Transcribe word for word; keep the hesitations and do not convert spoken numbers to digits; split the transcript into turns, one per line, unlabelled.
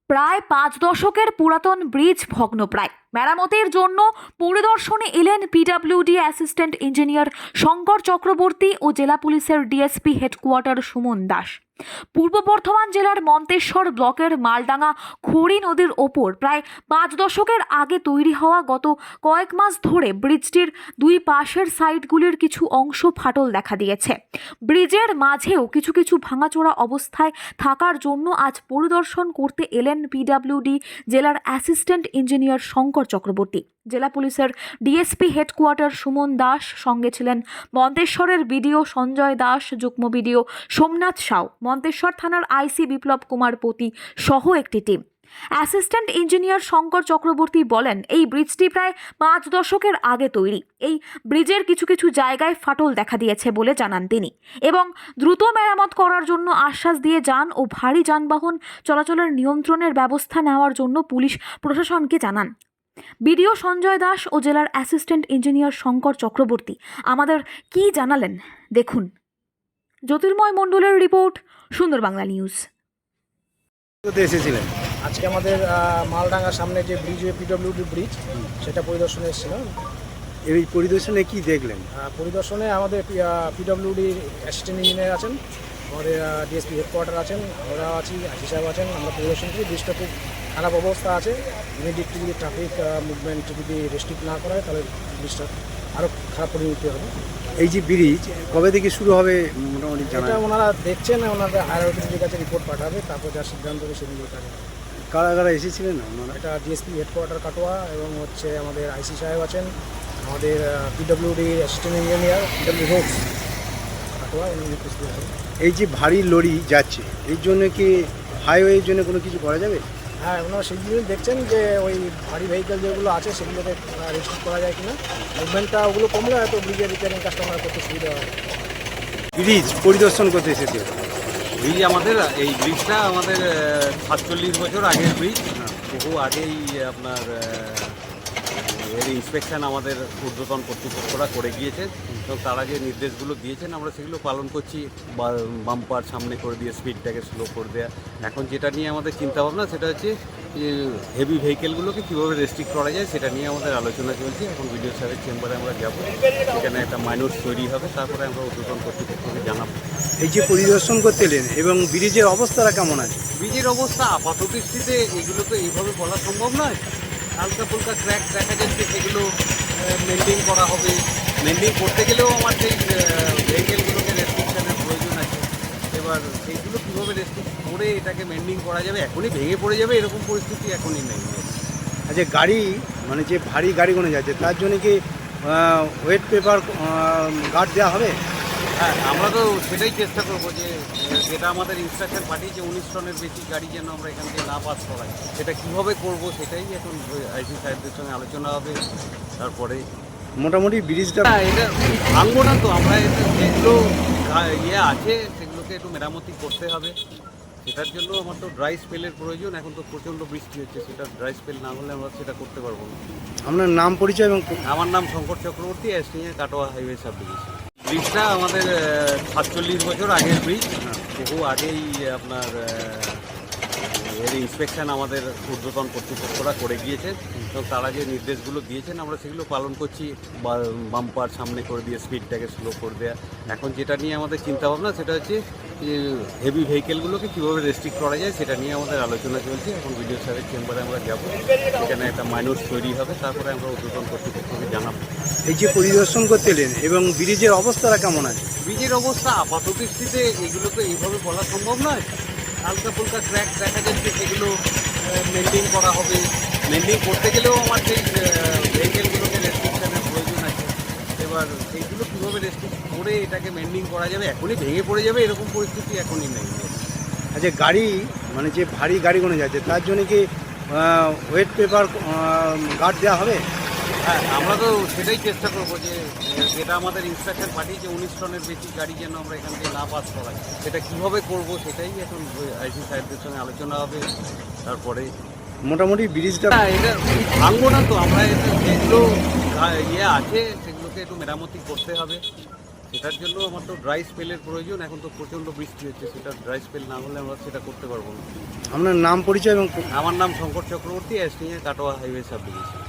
প্রায় পাঁচ দশকের পুরাতন ব্রিজ ভগ্নপ্রায়। মেরামতের জন্য পরিদর্শনে এলেন PWD assistant engineer Shankar Chakraborty ও জেলা পুলিশের ডিএসপি হেডকোয়ার্টার সুমন দাস। পূর্ব বর্ধমান জেলার মন্তেশ্বর ব্লকের মালডাঙ্গা খড়ি নদীর ওপর প্রায় পাঁচ দশকের আগে তৈরি হওয়া গত কয়েক মাস ধরে ব্রিজটির দুই পাশের সাইডগুলির কিছু অংশ ফাটল দেখা দিয়েছে। ব্রিজের মাঝেও কিছু কিছু ভাঙাচোরা অবস্থায় থাকার জন্য আজ পরিদর্শন করতে এলেন পিডব্লিউডি জেলার অ্যাসিস্ট্যান্ট ইঞ্জিনিয়ার শঙ্কর চক্রবর্তী। জেলা পুলিশের ডিএসপি হেডকোয়ার্টার সুমন দাস, সঙ্গে ছিলেন মন্তেশ্বরের বিডিও সঞ্জয় দাস, যুগ্ম বিডিও সোমনাথ সাউ, মন্তেশ্বর থানার আইসি বিপ্লব কুমার পতি সহ একটি team. Assistant engineer Shankar Chakraborty বলেন, এই ব্রিজটি প্রায় পাঁচ দশকের আগে তৈরি। এই ব্রিজের কিছু কিছু জায়গায় ফাটল দেখা দিয়েছে বলে জানান তিনি, এবং দ্রুত মেরামত করার জন্য আশ্বাস দিয়ে যান ও ভারী যানবাহন চলাচলের নিয়ন্ত্রণের ব্যবস্থা নেওয়ার জন্য পুলিশ প্রশাসনকে জানান। বিডিও সঞ্জয় দাস ও জেলার অ্যাসিস্ট্যান্ট ইঞ্জিনিয়ার শঙ্কর চক্রবর্তী আমাদের কি জানালেন দেখুন। জ্যোতির্ময় মণ্ডলের রিপোর্ট, সুন্দর বাংলা নিউজ।
কোথায় এসেছিলেন?
আজকে আমাদের মালডাঙ্গার সামনে যে ব্রিজ, পিডব্লিউডি ব্রিজ, সেটা পরিদর্শনে এসেছিলাম।
এই পরিদর্শনে কি দেখলেন?
পরিদর্শনে আমাদের পিডব্লিউডির অ্যাসিস্ট্যান্ট ইঞ্জিনিয়ার আছেন, আমাদের ডিএসপি হেডকোয়ার্টার আছেন, আমরা আছি, আইসি সাহেব আছেন। আমরা পরিদর্শন করি। ব্রিজটা খুব খারাপ অবস্থা আছে। ইমিডিয়েটলি যদি ট্রাফিক মুভমেন্ট যদি রেস্ট্রিক্ট না করা হয় তাহলে ব্রিজটা আরও খারাপ পরিণতি হবে।
এই যে ব্রিজ কবে থেকে শুরু হবে মোটামুটি জানা?
এটা ওনারা দেখছেন, ওনাদের হায়ার অথরিটির কাছে রিপোর্ট পাঠাবে, তারপর যা সিদ্ধান্ত হবে সেদিকে কাজ হবে।
কারা কারা এসেছিলেন আপনারা?
এটা ডিএসপি হেডকোয়ার্টার কাটোয়া এবং হচ্ছে আমাদের আইসি সাহেব আছেন, আমাদের PWD assistant engineer PWD roads Katwa, উনি উপস্থিত আছেন।
এই যে ভারী লরি যাচ্ছে, এই জন্য কি হাইওয়ের জন্য কোনো কিছু করা যাবে?
হ্যাঁ, ওনারা সেই জিনিস দেখছেন যে ওই ভারী ভেহিকেল যেগুলো আছে সেগুলোকে রেস্ট্রিক্ট করা যায় কিনা। মুভমেন্টটা ওগুলো কমলে হয়তো ব্রিজের রিপেয়ারিং কাজটা আমরা করতে সুবিধা হয়।
ব্রিজ পরিদর্শন করতে এসেছে।
ব্রিজ আমাদের এই ব্রিজটা আমাদের সাতচল্লিশ বছর আগের ব্রিজ। বহু আগেই আপনার এর ইন্সপেকশন আমাদের ঊর্ধ্বতন কর্তৃপক্ষরা করে গিয়েছে এবং তারা যে নির্দেশগুলো দিয়েছেন আমরা সেগুলো পালন করছি। বাম্পার সামনে করে দিয়ে স্পিডটাকে স্লো করে দেওয়া। এখন যেটা নিয়ে আমাদের চিন্তাভাবনা সেটা হচ্ছে হেভি ভেহিকেলগুলোকে কীভাবে রেস্ট্রিক্ট করা যায় সেটা নিয়ে আমাদের আলোচনা চলছে। এখন বিডিও সাহেবের চেম্বারে আমরা যাব, সেখানে একটা মাইনর তৈরি হবে, তারপরে আমরা ঊর্ধ্বতন কর্তৃপক্ষকে জানাবো।
এই যে পরিদর্শন করতে এলেন এবং ব্রিজের অবস্থাটা কেমন আছে?
ব্রিজের অবস্থা আপাত দৃষ্টিতে এগুলো তো এইভাবে বলা সম্ভব নয়। হালকা ফুলকা ক্র্যাক দেখা যাচ্ছে, সেগুলো মেনটেন করা হবে। মেনটেন করতে গেলেও আমার সেই ভেহিকেলগুলোকে রেস্ট্রিকশনের প্রয়োজন আছে। এবার সেইগুলো কীভাবে রেস্ট্রিক্ট করে এটাকে মেনটেন করা যাবে, এখনই ভেঙে পড়ে যাবে এরকম পরিস্থিতি এখনই নেই।
আচ্ছা, গাড়ি মানে যে ভারী গাড়িগুলো যাচ্ছে তার জন্য কি ওয়েট পেপার গার্ড দেওয়া হবে?
হ্যাঁ, আমরা তো সেটাই চেষ্টা করবো যে যেটা আমাদের ইনস্ট্রাকশন পাঠিয়েছে উনিশ টনের বেশি গাড়ি যেন আমরা এখান থেকে না পাস করাই। সেটা কীভাবে করবো সেটাই এখন আইসি সাহেবদের সঙ্গে আলোচনা হবে। তারপরে
মোটামুটি ব্রিজটা
হ্যাঁ, এটা ভাঙবো না তো আমরা, যেগুলো ইয়ে আছে সেগুলোকে একটু মেরামতি করতে হবে। সেটার জন্য আমার তো ড্রাই স্পেলের প্রয়োজন। এখন তো প্রচণ্ড বৃষ্টি হচ্ছে, সেটা ড্রাই স্পেল না হলে আমরা সেটা করতে পারবো না।
আপনার নাম পরিচয় এবং?
আমার নাম Shankar Chakraborty, assistant Katwa highway sub division. ব্রিজটা আমাদের সাতচল্লিশ বছর আগের ব্রিজ। বহু আগেই আপনার এর ইন্সপেকশন আমাদের ঊর্ধ্বতন কর্তৃপক্ষরা করে গিয়েছে এবং তারা যে নির্দেশগুলো দিয়েছেন আমরা সেগুলো পালন করছি। বাম্পার সামনে করে দিয়ে স্পিডটাকে স্লো করে দেওয়া। এখন যেটা নিয়ে আমাদের চিন্তাভাবনা সেটা হচ্ছে হেভি ভেহিকেলগুলোকে কীভাবে রেস্ট্রিক্ট করা যায় সেটা নিয়ে আমাদের আলোচনা চলছে। এখন বিডিও সাহেবের চেম্বারে আমরা যাব, সেখানে একটা মাইনর তৈরি হবে, তারপরে আমরা ঊর্ধ্বতন কর্তৃপক্ষকে জানাবো।
এই যে পরিদর্শন করতে এলেন এবং ব্রিজের অবস্থাটা কেমন আছে?
ব্রিজের অবস্থা আপাত দৃষ্টিতে এগুলো তো এইভাবে বলা সম্ভব নয়। হালকা ফুলকা ক্র্যাক দেখা যাচ্ছে, সেগুলো মেনটেন করা হবে। মেনটেন করতে গেলেও আমার সেই ভেহিকেলগুলোকে রেস্ট্রিকশনের প্রয়োজন আছে। এবার সেইগুলো কীভাবে রেস্ট্রিক্ট করে এটাকে মেনটেন করা যাবে, এখনই ভেঙে পড়ে যাবে এরকম পরিস্থিতি এখনই নেই।
আচ্ছা, গাড়ি মানে যে ভারী গাড়িগুলো যাচ্ছে তার জন্য কি ওয়েট পেপার গার্ড দেওয়া হবে?
হ্যাঁ, আমরা তো সেটাই চেষ্টা করবো যে যেটা আমাদের ইনস্ট্রাকশন পাঠিয়েছে উনিশ টনের বেশি গাড়ি যেন আমরা এখান থেকে না পাস করাই। সেটা কীভাবে করবো সেটাই এখন আইসি সাহেবদের সঙ্গে আলোচনা হবে। তারপরে
মোটামুটি ব্রিজটা
হ্যাঁ, এটা ভাঙবো না তো আমরা, যেগুলো ইয়ে আছে সেগুলোকে একটু মেরামতি করতে হবে। সেটার জন্য আমার তো ড্রাই স্পেলের প্রয়োজন। এখন তো প্রচণ্ড বৃষ্টি হচ্ছে, সেটা ড্রাই স্পেল না হলে আমরা সেটা করতে পারবো না।
আপনার নাম পরিচয় এবং
আমার নাম Shankar Chakraborty, STA Katwa highway sub division.